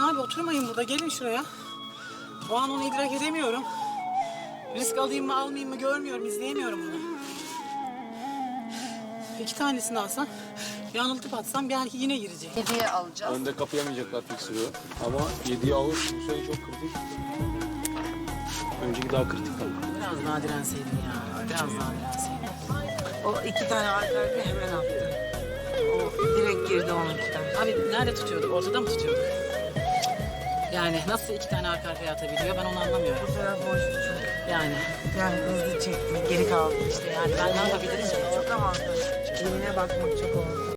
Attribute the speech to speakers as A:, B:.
A: abi, oturmayın burada. Gelin şuraya. O an onu idrak edemiyorum. Risk alayım mı almayayım mı görmüyorum, izleyemiyorum bunu. 2 tanesini alsam, yanıltıp atsam belki yine girecek.
B: 7'ye alacağız.
C: Önde kapayamayacaklar fiksürü. Ama 7'yi alır. Bu sene çok kritik. Önceki daha kritik kaldı.
A: Biraz daha direnseydin ya. Biraz daha direnseydin.
D: O 2 tane arka arkaya hemen attı. O direkt girdi onunkinden.
A: Abi nerede tutuyorduk? Ortada mı tutuyorduk? Yani nasıl 2 tane arka arkaya atabiliyor, ben onu anlamıyorum.
D: Bu taraf boştu çok.
A: Yani
D: Yani hızlı çekti. Geri kaldı.
A: işte yani ben ne yapabilirim ki?
D: Çok avantajlı. Eline bakmak çok oldu.